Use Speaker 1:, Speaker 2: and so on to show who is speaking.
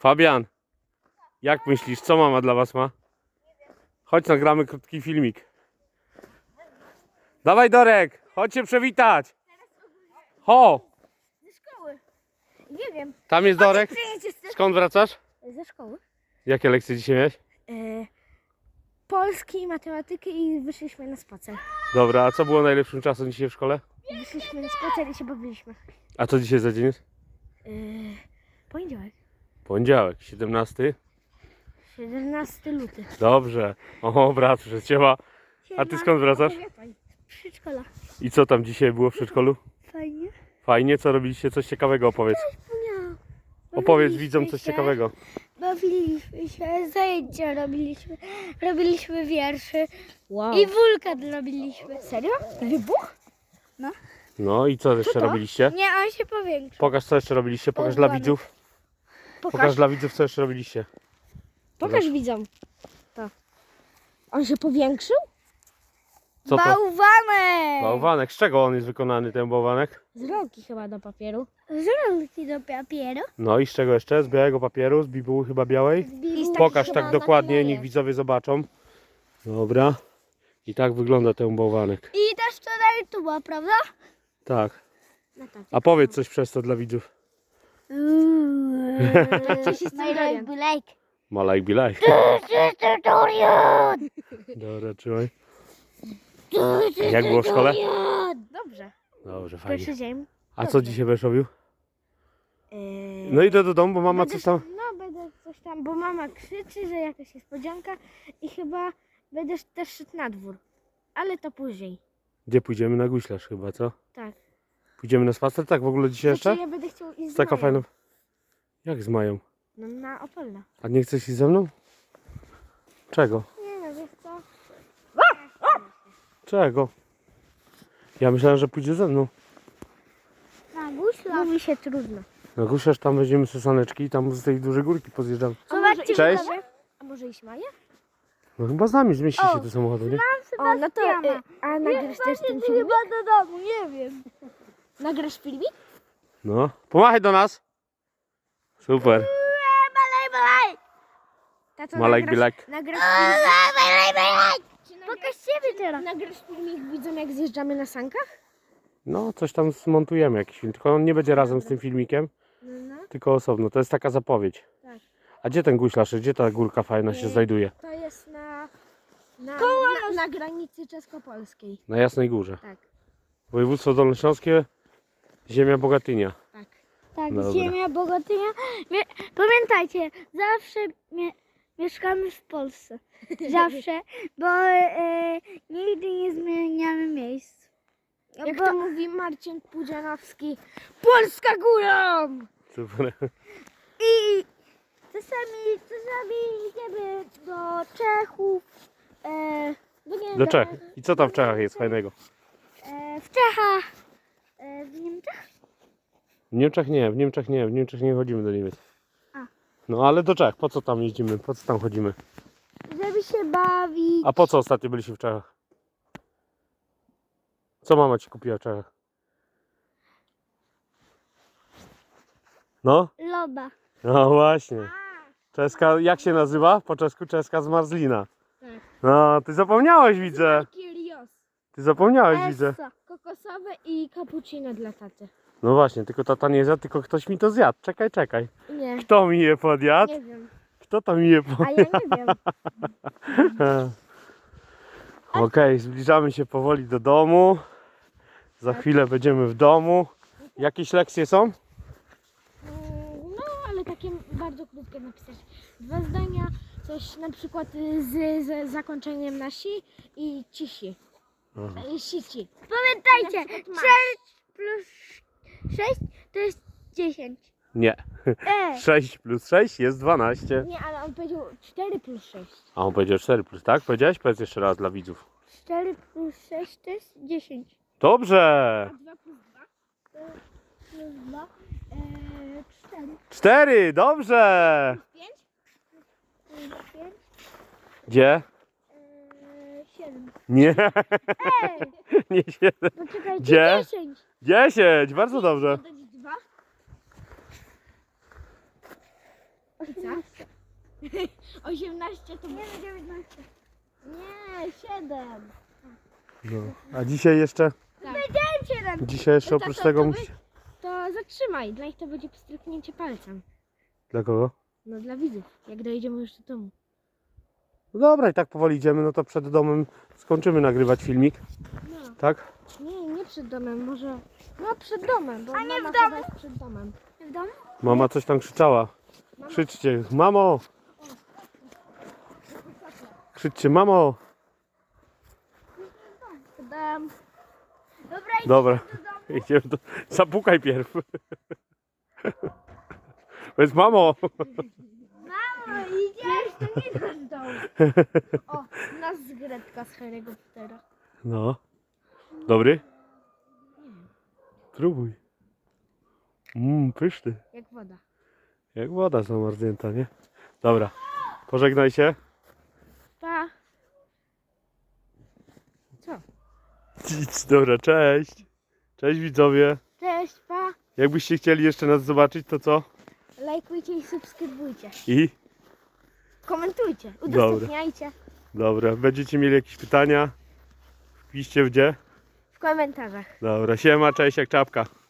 Speaker 1: Fabian, jak myślisz, co mama dla was ma? Chodź, nagramy krótki filmik. Dawaj, Dorek, chodź się przywitać. Ho!
Speaker 2: Ze szkoły. Nie wiem.
Speaker 1: Tam jest Dorek.
Speaker 2: Przyjedziesz
Speaker 1: Skąd wracasz?
Speaker 2: ze szkoły?
Speaker 1: Jakie lekcje dzisiaj miałeś?
Speaker 2: Polski, matematyki i wyszliśmy na spacer.
Speaker 1: Dobra, a co było najlepszym czasem dzisiaj w szkole?
Speaker 2: Wyszliśmy na spacer i się bawiliśmy.
Speaker 1: A co dzisiaj za dzień jest?
Speaker 2: Poniedziałek.
Speaker 1: Poniedziałek, 17.
Speaker 2: 17 luty.
Speaker 1: Dobrze. O, brat, że cię. A ty skąd wracasz?
Speaker 2: Przedszkola.
Speaker 1: I co tam dzisiaj było w przedszkolu?
Speaker 2: Fajnie.
Speaker 1: Fajnie, co robiliście? Coś ciekawego opowiedz.
Speaker 2: Nie.
Speaker 1: Opowiedz widzom coś ciekawego.
Speaker 2: Bawiliśmy się, zajęcia robiliśmy wierszy. Wow. I wulkan robiliśmy. Serio? Wybuch?
Speaker 1: No i co jeszcze
Speaker 2: to?
Speaker 1: robiliście?
Speaker 2: Nie, on się powiększył.
Speaker 1: Pokaż, co jeszcze robiliście. Pokaż dla widzów. Pokaż dla widzów, co jeszcze robiliście.
Speaker 2: Pokaż widzom. To. On się powiększył?
Speaker 1: Co to?
Speaker 2: Bałwanek!
Speaker 1: Bałwanek. Z czego on jest wykonany, ten bałwanek?
Speaker 2: Z rolki chyba do papieru. Z rolki do papieru?
Speaker 1: No i z czego jeszcze? Z białego papieru, z bibuły chyba białej. Pokaż tak dokładnie, niech widzowie zobaczą. Dobra. I tak wygląda ten bałwanek.
Speaker 2: I też to na YouTube'a, prawda?
Speaker 1: Tak.
Speaker 2: No tak.
Speaker 1: A powiedz coś przez to dla widzów.
Speaker 2: Like.
Speaker 1: Ma like be like. Dobra, trzymaj. Jak było w szkole?
Speaker 2: Dobrze.
Speaker 1: Dobrze, fajnie.
Speaker 2: Pierwszy dzień.
Speaker 1: A co dzisiaj będziesz robił? No idę do domu, bo mama coś tam...
Speaker 2: No będę coś tam, bo mama krzyczy, że jakaś niespodzianka i chyba będę też szedł na dwór. Ale to później.
Speaker 1: Gdzie pójdziemy? Na guślarz chyba, co?
Speaker 2: Tak.
Speaker 1: Pójdziemy na spacer? Tak w ogóle dzisiaj jeszcze?
Speaker 2: Ja będę chciał iść
Speaker 1: Z
Speaker 2: z
Speaker 1: taka
Speaker 2: Mają.
Speaker 1: fajna... Jak z Mają?
Speaker 2: No na Opolna.
Speaker 1: A nie chcesz iść ze mną? Czego?
Speaker 2: Nie no, wiesz co?
Speaker 1: Czego? Ja myślałem, że pójdzie ze mną.
Speaker 2: Na guśla. Mówi się trudno.
Speaker 1: Na guślarz tam weźmiemy sesaneczki i tam z tej dużej górki pozjeżdżamy.
Speaker 2: Zobaczcie,
Speaker 1: Cześć.
Speaker 2: A może iść Maja?
Speaker 1: No chyba z nami zmieści się do samochodu, nie?
Speaker 2: O, no to a nagrasz też ten filmik? Chyba do domu, nie wiem. Nagrasz filmik?
Speaker 1: No. Pomachaj do nas. Super.
Speaker 2: Tato,
Speaker 1: Ma like be like.
Speaker 2: Nagrasz filmik? Pokaż siebie teraz. Nagrasz filmik, widzą jak zjeżdżamy na sankach?
Speaker 1: No, coś tam zmontujemy jakiś film. Tylko on nie będzie razem z tym filmikiem,
Speaker 2: No.
Speaker 1: tylko osobno. To jest taka zapowiedź.
Speaker 2: Tak.
Speaker 1: A gdzie ten guślarz? Gdzie ta górka fajna się znajduje?
Speaker 2: To jest na granicy czesko-polskiej.
Speaker 1: Na Jasnej Górze.
Speaker 2: Tak.
Speaker 1: Województwo Dolnośląskie, ziemia Bogatynia.
Speaker 2: Tak. Tak,
Speaker 1: Dobra.
Speaker 2: ziemia Bogatynia. Pamiętajcie, zawsze mieszkamy w Polsce. Zawsze, bo nigdy nie zmieniamy miejsc. Jak to mówi Marcin Pudzianowski, Polska górą!
Speaker 1: Super.
Speaker 2: I czasami idziemy do Czechów,
Speaker 1: Do Czech. I co tam w Czechach jest fajnego?
Speaker 2: w Czechach, w Niemczech.
Speaker 1: W Niemczech nie, w Niemczech nie. W Niemczech nie chodzimy do Niemiec.
Speaker 2: A.
Speaker 1: No ale do Czech. Po co tam jeździmy? Po co tam chodzimy?
Speaker 2: Żeby się bawić.
Speaker 1: A po co ostatnio byliście w Czechach? Co mama ci kupiła w Czechach? No?
Speaker 2: Loba.
Speaker 1: No właśnie. Czeska, jak się nazywa? Po czesku czeska zmarzlina.
Speaker 2: Tak.
Speaker 1: No, ty zapomniałeś, widzę.
Speaker 2: Kirios.
Speaker 1: Ty zapomniałeś, widzę.
Speaker 2: Essa, kokosowe i cappuccino dla taty.
Speaker 1: No właśnie, tylko tata nie zjadł, tylko ktoś mi to zjadł. Czekaj.
Speaker 2: Nie,
Speaker 1: Kto mi je podjadł?
Speaker 2: nie wiem.
Speaker 1: Kto to mi je
Speaker 2: A
Speaker 1: podjadł?
Speaker 2: ja nie wiem.
Speaker 1: Okej, zbliżamy się powoli do domu. Za chwilę będziemy w domu. Jakieś lekcje są?
Speaker 2: No, ale takie bardzo krótkie napisać. 2 zdania, coś na przykład z zakończeniem na si i cisi. Sici. Pamiętajcie, 6 plus 6 to jest 10.
Speaker 1: Nie. 6 plus 6 jest 12.
Speaker 2: Nie, ale on powiedział 4 plus 6.
Speaker 1: A on powiedział 4 plus, tak? Powiedziałeś? Powiedz jeszcze raz dla widzów.
Speaker 2: 4 plus 6 to jest 10.
Speaker 1: Dobrze.
Speaker 2: 2 plus 2 plus 2 4.
Speaker 1: 4, dobrze.
Speaker 2: 5 plus 5
Speaker 1: Gdzie?
Speaker 2: 7.
Speaker 1: Nie,
Speaker 2: Ej,
Speaker 1: nie 7.
Speaker 2: poczekajcie,
Speaker 1: Gdzie?
Speaker 2: 10.
Speaker 1: 10, bardzo dobrze.
Speaker 2: Dodać 2. 18. 18 to... Nie, 19. Nie, 7.
Speaker 1: No. A dzisiaj jeszcze?
Speaker 2: Tak. Powiedziałem 7.
Speaker 1: Dzisiaj jeszcze oprócz tego musi...
Speaker 2: To zatrzymaj, dla nich to będzie pstryknięcie palcem.
Speaker 1: Dla kogo?
Speaker 2: No dla widzów, jak dojedziemy już do domu.
Speaker 1: No dobra, i tak powoli idziemy, no to przed domem skończymy nagrywać filmik,
Speaker 2: No.
Speaker 1: tak?
Speaker 2: Nie przed domem, może... No przed domem, bo
Speaker 3: A nie
Speaker 2: mama
Speaker 3: w domu?
Speaker 2: chyba jest przed domem.
Speaker 3: W domu?
Speaker 1: Mama coś tam krzyczała. Krzyczcie, mamo! Krzyczcie, mamo!
Speaker 2: Dam.
Speaker 3: Dobra,
Speaker 1: Dobra, idziemy do... Zapukaj pierw. Powiedz, mamo!
Speaker 3: mamo, idziesz?
Speaker 2: To nie nasz dom. O, nas zgredka z Harry'ego Pottera.
Speaker 1: No. Dobry? Spróbuj. Pyszny.
Speaker 2: Jak woda.
Speaker 1: Jak woda zamarznięta, nie? Dobra. Pożegnaj się.
Speaker 2: Pa. Co?
Speaker 1: Dobra, cześć. Cześć widzowie.
Speaker 2: Cześć, pa.
Speaker 1: Jakbyście chcieli jeszcze nas zobaczyć, to co?
Speaker 2: Lajkujcie i subskrybujcie.
Speaker 1: I?
Speaker 2: Komentujcie, udostępniajcie
Speaker 1: Dobra, będziecie mieli jakieś pytania? Wpiszcie gdzie?
Speaker 2: w komentarzach.
Speaker 1: Dobra, siema, cześć jak czapka.